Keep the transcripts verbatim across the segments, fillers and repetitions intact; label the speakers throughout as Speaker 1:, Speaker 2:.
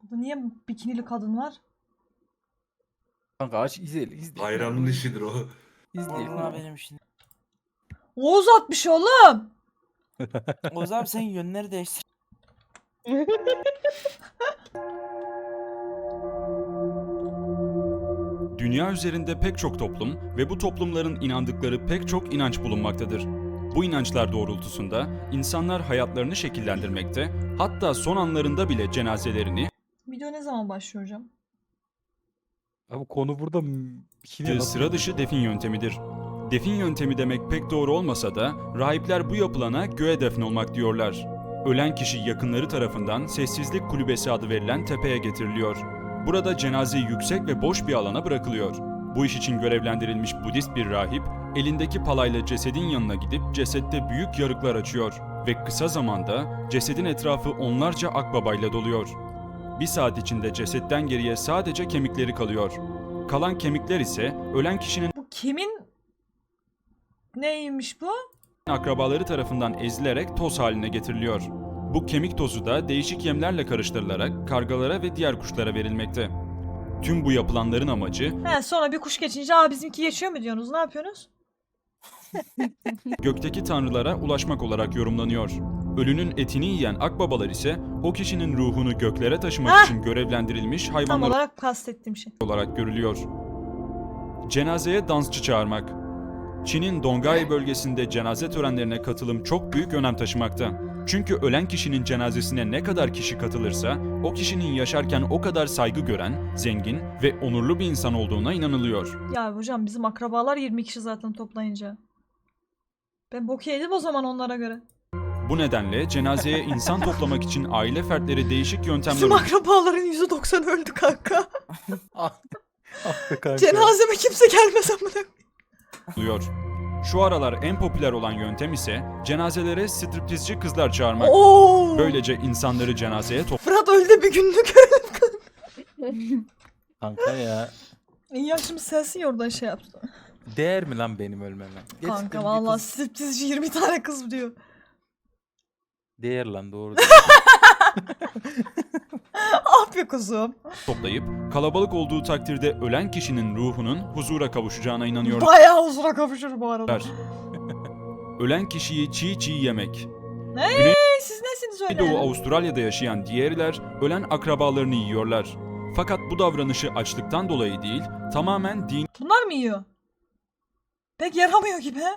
Speaker 1: Burada niye bikinili kadın var?
Speaker 2: Kanka aç izleyelim. izleyelim.
Speaker 3: Bayramın işidir o.
Speaker 2: İzleyelim.
Speaker 4: Vallahi benim şimdi.
Speaker 1: Oğuz atmış oğlum.
Speaker 4: Oğuz abi sen yönleri değiştir.
Speaker 5: Dünya üzerinde pek çok toplum ve bu toplumların inandıkları pek çok inanç bulunmaktadır. Bu inançlar doğrultusunda insanlar hayatlarını şekillendirmekte, hatta son anlarında bile cenazelerini
Speaker 1: Video ne zaman başlıyor hocam?
Speaker 2: Abi konu burada bikini nasıl
Speaker 5: sıra dışı defin yöntemidir. Defin yöntemi demek pek doğru olmasa da rahipler bu yapılana göğe defnolmak diyorlar. Ölen kişi yakınları tarafından sessizlik kulübesi adı verilen tepeye getiriliyor. Burada cenaze yüksek ve boş bir alana bırakılıyor. Bu iş için görevlendirilmiş Budist bir rahip, elindeki palayla cesedin yanına gidip cesette büyük yarıklar açıyor ve kısa zamanda cesedin etrafı onlarca akbabayla doluyor. Bir saat içinde cesetten geriye sadece kemikleri kalıyor. Kalan kemikler ise ölen kişinin
Speaker 1: Bu kimin neymiş bu?
Speaker 5: akrabaları tarafından ezilerek toz haline getiriliyor. Bu kemik tozu da değişik yemlerle karıştırılarak kargalara ve diğer kuşlara verilmekte. Tüm bu yapılanların amacı
Speaker 1: He, sonra bir kuş geçince aa bizimki geçiyor mu diyorsunuz? Ne yapıyorsunuz?
Speaker 5: gökteki tanrılara ulaşmak olarak yorumlanıyor. Ölünün etini yiyen akbabalar ise o kişinin ruhunu göklere taşımak
Speaker 1: Hah!
Speaker 5: için görevlendirilmiş
Speaker 1: Tam
Speaker 5: hayvanlar
Speaker 1: olarak kastettiğim şey.
Speaker 5: olarak görülüyor. Cenazeye dansçı çağırmak. Çin'in Dongai bölgesinde cenaze törenlerine katılım çok büyük önem taşımakta. Çünkü ölen kişinin cenazesine ne kadar kişi katılırsa, o kişinin yaşarken o kadar saygı gören, zengin ve onurlu bir insan olduğuna inanılıyor.
Speaker 1: Ya hocam bizim akrabalar yirmi kişi zaten toplayınca. Ben bok yedim o zaman onlara göre.
Speaker 5: Bu nedenle cenazeye insan toplamak için aile fertleri değişik yöntemler
Speaker 1: Bizim akrabaların yüzde doksanı öldü kanka.
Speaker 2: Ah be kanka.
Speaker 1: Cenazeme kimse gelmez amına.
Speaker 5: uyguluyor. Şu aralar en popüler olan yöntem ise cenazelere striptizci kızlar çağırmak.
Speaker 1: Oo!
Speaker 5: Böylece insanları cenazeye
Speaker 1: Fırat öldü bir günlük.
Speaker 2: Kanka ya.
Speaker 1: İyi ya şimdi sensin ya oradan şey yaptı.
Speaker 2: Değer mi lan benim ölmeme? Gerçekten
Speaker 1: Kanka
Speaker 2: bir
Speaker 1: vallahi
Speaker 2: kız-
Speaker 1: striptizci yirmi tane kız diyor.
Speaker 2: Değer lan doğru.
Speaker 1: Ah be kuzum.
Speaker 5: toplayıp kalabalık olduğu takdirde ölen kişinin ruhunun huzura kavuşacağına inanıyorlar.
Speaker 1: Bayağı huzura kavuşur bu arada.
Speaker 5: Ölen kişiyi çiğ çiğ yemek.
Speaker 1: Hey, siz nesiniz öyle?
Speaker 5: Doğu Avustralya'da yaşayan diğerler ölen akrabalarını yiyorlar. Fakat bu davranışı açlıktan dolayı değil, tamamen dini
Speaker 1: Bunlar mı yiyor? Pek yaramıyor gibi he?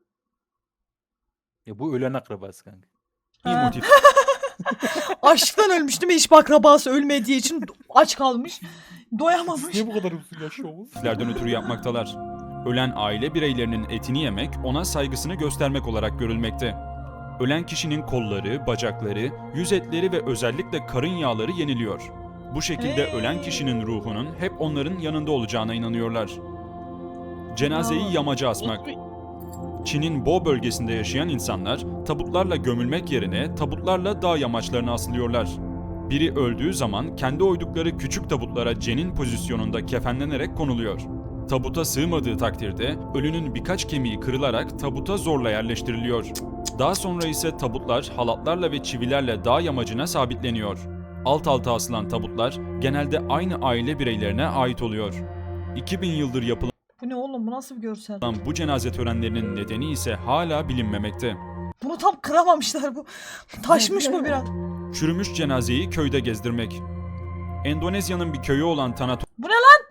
Speaker 2: Ya bu ölen akrabası kanka.
Speaker 1: Ha.
Speaker 5: motif
Speaker 1: Açlıktan ölmüş değil mi? Hiç akrabası ölmediği için aç kalmış. Doyamamış.
Speaker 2: Niye bu kadar uzun yaşıyorsunuz?
Speaker 5: motiflerden ötürü yapmaktalar. Ölen aile bireylerinin etini yemek ona saygısını göstermek olarak görülmekte. Ölen kişinin kolları, bacakları, yüz etleri ve özellikle karın yağları yeniliyor. Bu şekilde
Speaker 1: Hey.
Speaker 5: ölen kişinin ruhunun hep onların yanında olacağına inanıyorlar. Cenazeyi
Speaker 1: Bravo.
Speaker 5: yamaca asmak. Çin'in Bo bölgesinde yaşayan insanlar tabutlarla gömülmek yerine tabutlarla dağ yamaçlarına asılıyorlar. Biri öldüğü zaman kendi oydukları küçük tabutlara cenin pozisyonunda kefenlenerek konuluyor. Tabuta sığmadığı takdirde ölünün birkaç kemiği kırılarak tabuta zorla yerleştiriliyor. Daha sonra ise tabutlar halatlarla ve çivilerle dağ yamacına sabitleniyor. Alt alta asılan tabutlar genelde aynı aile bireylerine ait oluyor. iki bin yıldır yapılan
Speaker 1: Bu ne oğlum? Bu nasıl bir görsel?
Speaker 5: bu cenaze törenlerinin nedeni ise hala bilinmemekte.
Speaker 1: Bunu tam kıramamışlar bu. Taşmış mı biraz?
Speaker 5: Çürümüş cenazeyi köyde gezdirmek. Endonezya'nın bir köyü olan Tanato
Speaker 1: Bu ne lan?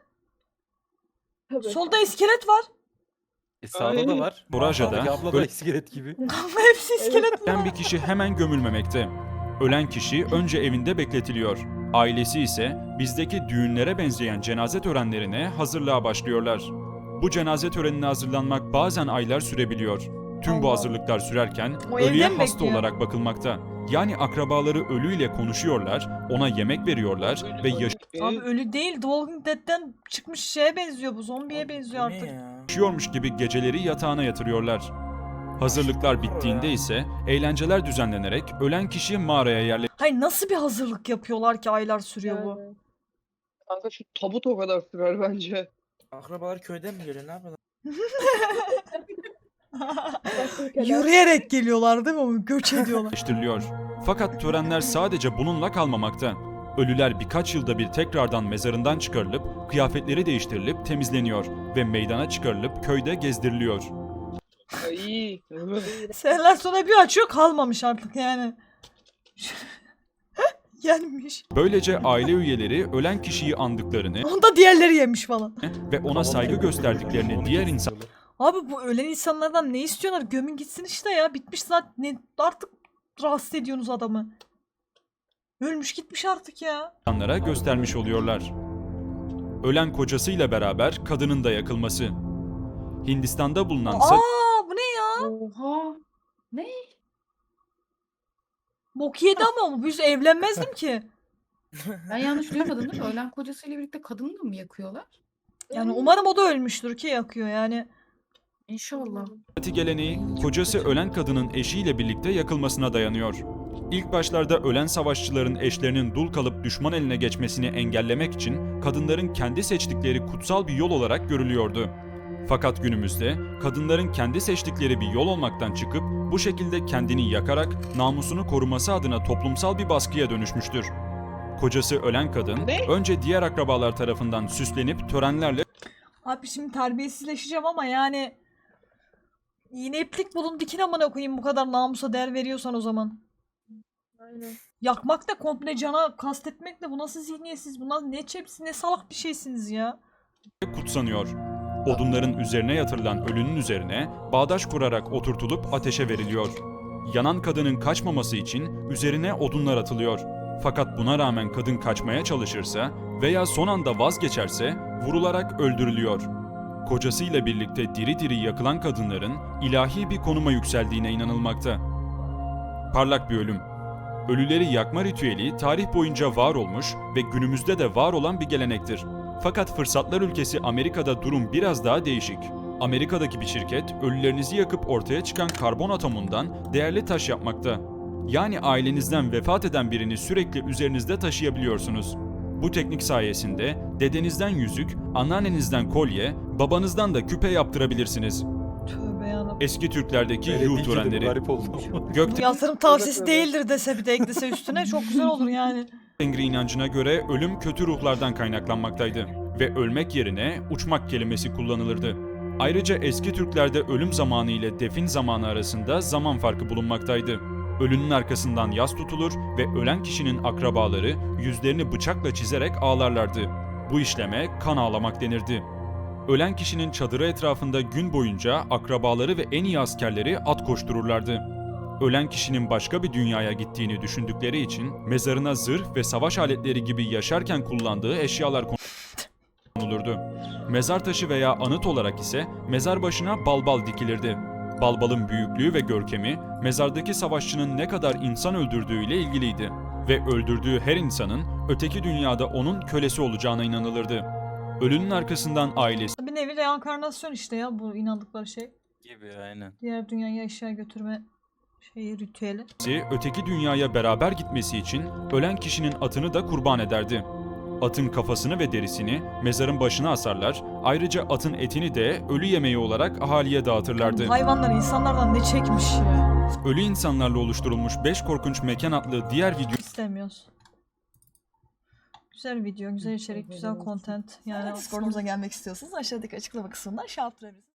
Speaker 1: Solda iskelet var.
Speaker 2: E sağda da var.
Speaker 5: Boraja'da
Speaker 2: Sağdaki abla da iskelet gibi.
Speaker 1: Kanka hepsi iskelet
Speaker 5: ölen
Speaker 1: bunlar.
Speaker 5: bir kişi hemen gömülmemekte. Ölen kişi önce evinde bekletiliyor. Ailesi ise bizdeki düğünlere benzeyen cenaze törenlerine hazırlığa başlıyorlar. Bu cenaze törenine hazırlanmak bazen aylar sürebiliyor. Tüm bu
Speaker 1: Allah.
Speaker 5: hazırlıklar sürerken
Speaker 1: O evde
Speaker 5: ölüye
Speaker 1: mi
Speaker 5: hasta
Speaker 1: bekliyor?
Speaker 5: olarak bakılmakta. Yani akrabaları ölüyle konuşuyorlar, ona yemek veriyorlar ve
Speaker 1: Abi ölü değil. The Walking Dead'den çıkmış şeye benziyor bu. Zombiye benziyor
Speaker 4: Bu ne
Speaker 1: artık.
Speaker 4: ya?
Speaker 5: yaşıyormuş gibi geceleri yatağına yatırıyorlar. Hazırlıklar bittiğinde ise eğlenceler düzenlenerek ölen kişi mağaraya yerleştiriliyor.
Speaker 1: Hayır nasıl bir hazırlık yapıyorlar ki aylar sürüyor bu?
Speaker 6: Yani. Kanka şu tabut o kadar sürer bence.
Speaker 4: Akrabalar köyden mi geliyor? Ne yapıyorlar?
Speaker 1: Yürüyerek geliyorlar değil mi? Göç ediyorlar.
Speaker 5: Fakat törenler sadece bununla kalmamakta. Ölüler birkaç yılda bir tekrardan mezarından çıkarılıp kıyafetleri değiştirilip temizleniyor ve meydana çıkarılıp köyde gezdiriliyor.
Speaker 6: Ay.
Speaker 1: Seneler sonra bir açıyor kalmamış artık yani. Yenmiş.
Speaker 5: Böylece aile üyeleri ölen kişiyi andıklarını
Speaker 1: Onu da diğerleri yemiş falan.
Speaker 5: ve ona saygı gösterdiklerini diğer insan
Speaker 1: Abi bu ölen insanlardan ne istiyorlar? Gömün gitsin işte ya. Bitmiş zaten. Ne, artık rahatsız ediyorsunuz adamı. Ölmüş gitmiş artık ya.
Speaker 5: insanlara göstermiş oluyorlar. Ölen kocasıyla beraber kadının da yakılması. Hindistan'da bulunan Sa-
Speaker 1: Aa bu ne ya?
Speaker 3: Oha. Ne?
Speaker 1: Bok yedi ama biz evlenmezdim ki.
Speaker 3: Ben yanlış duymadım değil mi? Ölen kocasıyla birlikte kadını da mı yakıyorlar?
Speaker 1: Yani umarım o da ölmüştür ki yakıyor yani.
Speaker 3: İnşallah.
Speaker 5: geleneği kocası ölen kadının eşiyle birlikte yakılmasına dayanıyor. İlk başlarda ölen savaşçıların eşlerinin dul kalıp düşman eline geçmesini engellemek için kadınların kendi seçtikleri kutsal bir yol olarak görülüyordu. Fakat günümüzde kadınların kendi seçtikleri bir yol olmaktan çıkıp bu şekilde kendini yakarak namusunu koruması adına toplumsal bir baskıya dönüşmüştür. Kocası ölen kadın
Speaker 6: Ne?
Speaker 5: önce diğer akrabalar tarafından süslenip törenlerle
Speaker 1: Abi şimdi terbiyesizleşeceğim ama yani iğne iplik bulun dikin amına koyayım bu kadar namusa değer veriyorsan o zaman.
Speaker 6: Aynen.
Speaker 1: Yakmak da komple cana kastetmek de bu nasıl zihniyetsiz, bu nasıl ne çepsi ne salak bir şeysiniz ya.
Speaker 5: kutsanıyor. Odunların üzerine yatırılan ölünün üzerine bağdaş kurarak oturtulup ateşe veriliyor. Yanan kadının kaçmaması için üzerine odunlar atılıyor. Fakat buna rağmen kadın kaçmaya çalışırsa veya son anda vazgeçerse vurularak öldürülüyor. Kocasıyla birlikte diri diri yakılan kadınların ilahi bir konuma yükseldiğine inanılmakta. Parlak bir ölüm. Ölüleri yakma ritüeli tarih boyunca var olmuş ve günümüzde de var olan bir gelenektir. Fakat fırsatlar ülkesi Amerika'da durum biraz daha değişik. Amerika'daki bir şirket ölülerinizi yakıp ortaya çıkan karbon atomundan değerli taş yapmakta. Yani ailenizden vefat eden birini sürekli üzerinizde taşıyabiliyorsunuz. Bu teknik sayesinde dedenizden yüzük, anneannenizden kolye, babanızdan da küpe yaptırabilirsiniz.
Speaker 1: Tövbe yarabbim.
Speaker 5: Eski Türklerdeki
Speaker 2: Öyle
Speaker 5: yuh
Speaker 2: değil ki dedim,
Speaker 5: törenleri,
Speaker 2: garip oldu.
Speaker 1: Bu
Speaker 5: Gökte
Speaker 1: yatırım tavsiyesi değildir dese bir de eklese üstüne çok güzel olur yani.
Speaker 5: Tengri inancına göre ölüm kötü ruhlardan kaynaklanmaktaydı ve ölmek yerine uçmak kelimesi kullanılırdı. Ayrıca eski Türklerde ölüm zamanı ile defin zamanı arasında zaman farkı bulunmaktaydı. Ölünün arkasından yas tutulur ve ölen kişinin akrabaları yüzlerini bıçakla çizerek ağlarlardı. Bu işleme kan ağlamak denirdi. Ölen kişinin çadırı etrafında gün boyunca akrabaları ve en iyi askerleri at koştururlardı. Ölen kişinin başka bir dünyaya gittiğini düşündükleri için mezarına zırh ve savaş aletleri gibi yaşarken kullandığı eşyalar konulurdu. Mezar taşı veya anıt olarak ise mezar başına balbal dikilirdi. Balbalın büyüklüğü ve görkemi mezardaki savaşçının ne kadar insan öldürdüğüyle ilgiliydi ve öldürdüğü her insanın öteki dünyada onun kölesi olacağına inanılırdı. Ölünün arkasından ailesi
Speaker 1: Bir nevi reenkarnasyon işte ya bu inandıkları şey.
Speaker 2: Gibi aynen.
Speaker 1: Diğer dünyaya eşya götürme şeyi ritüeli.
Speaker 5: öteki dünyaya beraber gitmesi için ölen kişinin atını da kurban ederdi. Atın kafasını ve derisini mezarın başına asarlar, ayrıca atın etini de ölü yemeği olarak ahaliye dağıtırlardı.
Speaker 1: Hayvanlar insanlardan ne çekmiş ya.
Speaker 5: Ölü insanlarla oluşturulmuş beş korkunç mekan adlı diğer video
Speaker 1: İstemiyoruz. Güzel video, güzel içerik, güzel content. Yani Discord'umuza gelmek istiyorsanız aşağıdaki açıklama kısmından şey yaptırabilirsiniz.